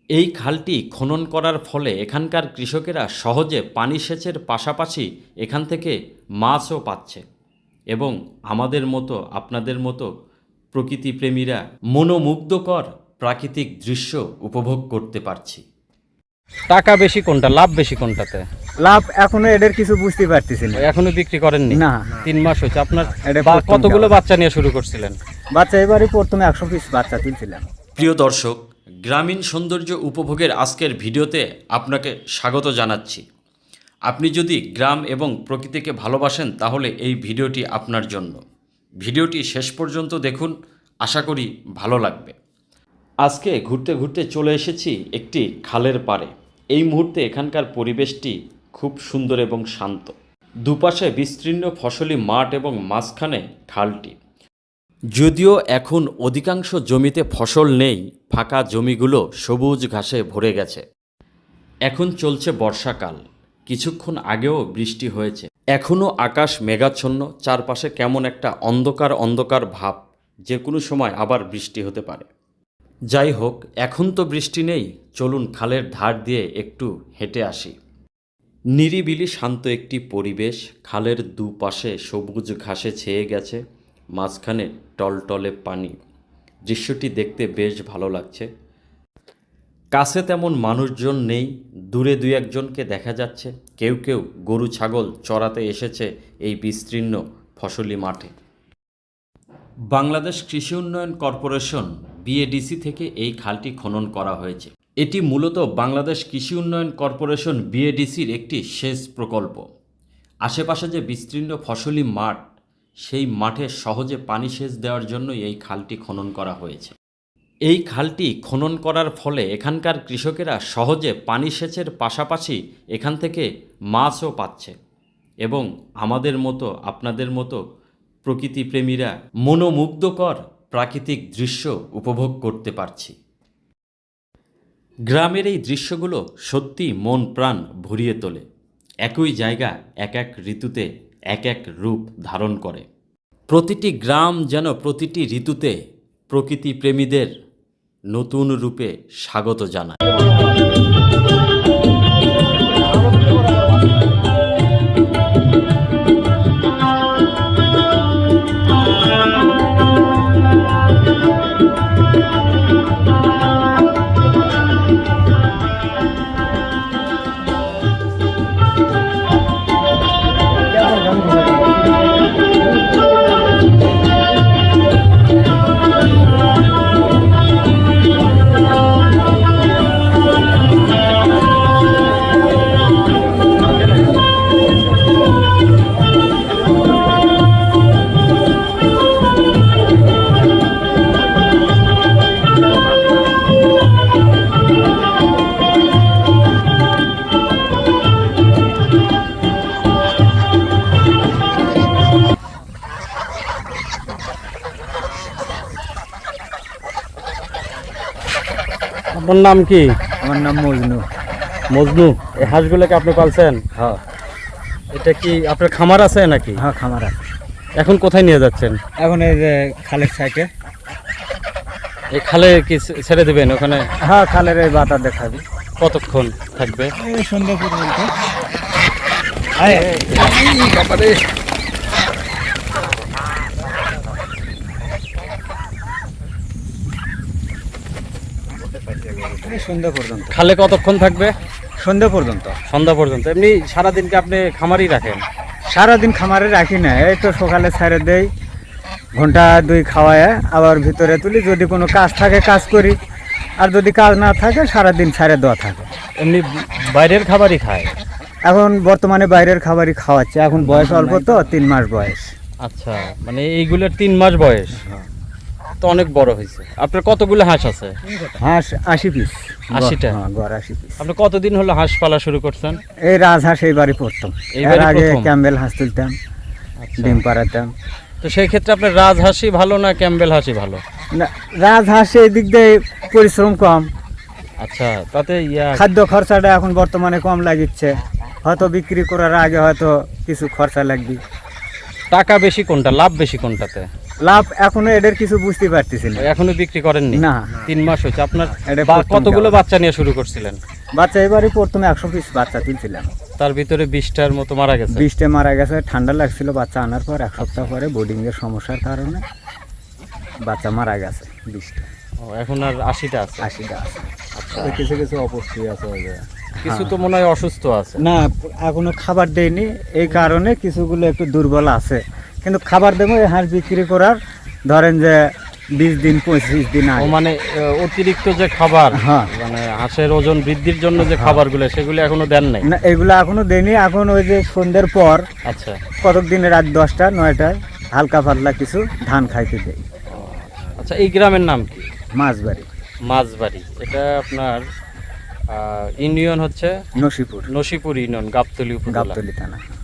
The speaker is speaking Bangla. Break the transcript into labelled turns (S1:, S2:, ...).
S1: এই খালটি খনন করার ফলে এখানকার কৃষকেরা সহজে পানি সেচের পাশাপাশি এখান থেকে মাছও পাচ্ছে এবং আমাদের মতো আপনাদের মতো প্রকৃতিপ্রেমীরা মনোমুগ্ধকর প্রাকৃতিক দৃশ্য উপভোগ করতে পারছি।
S2: টাকা বেশি কোনটা, লাভ বেশি কোনটাতে?
S3: লাভ এখনো এদের কিছু বুঝতে পারতেছি না।
S2: এখনো বিক্রি করেননি?
S3: না।
S2: 3 মাস হয়েছে। আপনার
S3: এটা প্রথম
S2: কতগুলো
S3: যাওয়া।
S2: বাচ্চা নিয়ে শুরু করছিলেন?
S3: বাচ্চা এবারে প্রথমে 100 পিস বাচ্চা তুলছিলাম।
S1: প্রিয় দর্শক, গ্রামীণ সৌন্দর্য উপভোগের আজকের ভিডিওতে আপনাকে স্বাগত জানাচ্ছি। আপনি যদি গ্রাম এবং প্রকৃতিকে ভালোবাসেন তাহলে এই ভিডিওটি আপনার জন্য। ভিডিওটি শেষ পর্যন্ত দেখুন, আশা করি ভালো লাগবে। আজকে ঘুরতে ঘুরতে চলে এসেছি একটি খালের পাড়ে। এই মুহূর্তে এখানকার পরিবেশটি খুব সুন্দর এবং শান্ত। দুপাশে বিস্তীর্ণ ফসলি মাঠ এবং মাঝখানে খালটি। যদিও এখন অধিকাংশ জমিতে ফসল নেই, ফাঁকা জমিগুলো সবুজ ঘাসে ভরে গেছে। এখন চলছে বর্ষাকাল, কিছুক্ষণ আগেও বৃষ্টি হয়েছে। এখনও আকাশ মেঘাচ্ছন্ন, চারপাশে কেমন একটা অন্ধকার অন্ধকার ভাব, যে কোনো সময় আবার বৃষ্টি হতে পারে। যাই হোক, এখন তো বৃষ্টি নেই, চলুন খালের ধার দিয়ে একটু হেঁটে আসি। নিরিবিলি শান্ত একটি পরিবেশ, খালের দুপাশে সবুজ ঘাসে ছেয়ে গেছে, মাঝখানে টলটলে পানি। দৃশ্যটি দেখতে বেশ ভালো লাগছে। কাছে তেমন মানুষজন নেই, দূরে দুই একজনকে দেখা যাচ্ছে। কেউ কেউ গরু ছাগল চড়াতে এসেছে এই বিস্তীর্ণ ফসলি মাঠে। বাংলাদেশ কৃষি উন্নয়ন কর্পোরেশন বিএডিসি থেকে এই খালটি খনন করা হয়েছে। এটি মূলত বাংলাদেশ কৃষি উন্নয়ন কর্পোরেশন বিএডিসির একটি সেচ প্রকল্প। আশেপাশে যে বিস্তীর্ণ ফসলি মাঠ, সেই মাঠে সহজে পানি সেচ দেওয়ার জন্যই এই খালটি খনন করা হয়েছে। এই খালটি খনন করার ফলে এখানকার কৃষকেরা সহজে পানি সেচের পাশাপাশি এখান থেকে মাছও পাচ্ছে এবং আমাদের মতো আপনাদের মতো প্রকৃতিপ্রেমীরা মনোমুগ্ধকর প্রাকৃতিক দৃশ্য উপভোগ করতে পারছি। গ্রামের এই দৃশ্যগুলো সত্যি মন প্রাণ ভরিয়ে তোলে। একই জায়গা এক এক ঋতুতে এক এক রূপ ধারণ করে। প্রতিটি গ্রাম যেন প্রতিটি ঋতুতে প্রকৃতিপ্রেমীদের নতুন রূপে স্বাগত জানায়।
S2: আপনার নাম কি?
S3: আমার নাম মজনু।
S2: মজনু। এই হাঁসগুলোকে আপনি পালছেন?
S3: হ্যাঁ।
S2: এটা কি আপনার খামার আছে নাকি?
S3: হ্যাঁ, খামার আছে।
S2: এখন কোথায় নিয়ে যাচ্ছেন?
S3: এখন এই যে খালের সাইডে।
S2: এই খালে কি ছেড়ে দেবেন ওখানে?
S3: হ্যাঁ, খালের এই বাতা দেখাবি।
S2: কতক্ষণ থাকবে?
S3: এই সন্ধ্যা পর্যন্ত। এই সন্ধ্যা পর্যন্ত।
S2: খালে কতক্ষণ থাকবে?
S3: সন্ধ্যা পর্যন্ত।
S2: সন্ধ্যা পর্যন্ত। এমনি সারাদিনকে আপনি খামারই রাখেন?
S3: সারাদিন খামারে রাখি না, এই তো সকালে ছেড়ে দেই, ঘন্টা 2 খাওয়ায় আবার ভিতরে তুলি। যদি কোনো কাজ থাকে কাজ করি, আর যদি কাজ না থাকে সারাদিন ছেড়ে দেওয়া থাকে।
S2: এমনি বাইরের খাবারই খায়?
S3: এখন বর্তমানে বাইরের খাবারই খাওয়াচ্ছে। এখন বয়স অল্প তো, 3 মাস বয়স।
S2: আচ্ছা, মানে এইগুলোর 3 মাস বয়স, তো অনেক বড় হয়েছে। আপনার কতগুলো হাঁস আছে?
S3: হাঁস 80 পিস।
S2: 80টা?
S3: হ্যাঁ, গড় 80 পিস।
S2: আপনি কতদিন হলো হাঁস পালা শুরু করছেন?
S3: এই রাজহাঁস এইবারই প্রথম। এর
S2: এইবারই
S3: আগে
S2: প্রথম?
S3: ক্যাম্বেল হাঁস তুলতাম,
S2: আচ্ছা।
S3: ডিম পাড়াতাম।
S2: তো সেই ক্ষেত্রে আপনার রাজহাঁসই ভালো না ক্যাম্বেল হাঁসই ভালো?
S3: না, রাজহাঁস এই দিক দিয়ে পরিশ্রম কম,
S2: আচ্ছা, তাতে
S3: খাদ্য খরচাটা এখন বর্তমানে কম লাগিচ্ছে। হয়তো বিক্রি করার আগে হয়তো কিছু খরচা লাগবে।
S2: টাকা বেশি কোনটা, লাভ বেশি কোনটাতে?
S3: লাভ এখনো এদের কিছু বুঝতে পারতেছি না।
S2: এখনো বিক্রি করেননি?
S3: না।
S2: 3 মাস হয়েছে। আপনার
S3: এটা প্রথম
S2: কতগুলো
S3: খাওয়া।
S2: বাচ্চা নিয়ে শুরু করছিলেন?
S3: বাচ্চা এবারে প্রথমে 100 পিস বাচ্চা তুলছিলাম,
S2: তার ভিতরে 20টার মতো মারা গেছে।
S3: 20টে মারা গেছে। ঠান্ডা লাগছিল বাচ্চা আনার পর, 1 সপ্তাহ পরে বোর্ডিং এর সমস্যার কারণে বাচ্চা মারা গেছে 20টা।
S2: ও, এখন আর 80টা আছে।
S3: 80টা আছে।
S4: কিছু কিছু অপুষ্টি আছে ওই যে।
S2: কিছু তো মনে হয় অসুস্থ আছে।
S3: না, এখনো খাবার দেয়নি, এই কারণে কিছুগুলো একটু দুর্বল আছে। কিন্তু খাবার দেবো এই হাঁস বিক্রি করার ধরেন যে 20 দিন 25 দিন
S2: ও
S3: আগে।
S2: মানে অতিরিক্ত যে খাবার,
S3: হ্যাঁ।
S2: মানে হাঁসের ওজন বৃদ্ধির জন্য যে খাবারগুলো সেগুলো এখনো দেন নাই?
S3: না, এগুলো এখনো দেয়নি। এখন ওই যে সন্ধ্যের পর
S2: আচ্ছা।
S3: কতক দিনে রাত 10টা 9টায় হালকা পাতলা কিছু ধান খাইতে দেয়।
S2: আচ্ছা, এই গ্রামের নাম কি?
S3: মাছবাড়ি,
S2: মাঝবাড়ি। এটা আপনার ইউনিয়ন হচ্ছে
S3: নসিপুর,
S2: নসিপুর ইউনিয়ন, গাবতলী উপজেলা।
S3: গাবতলী থানা।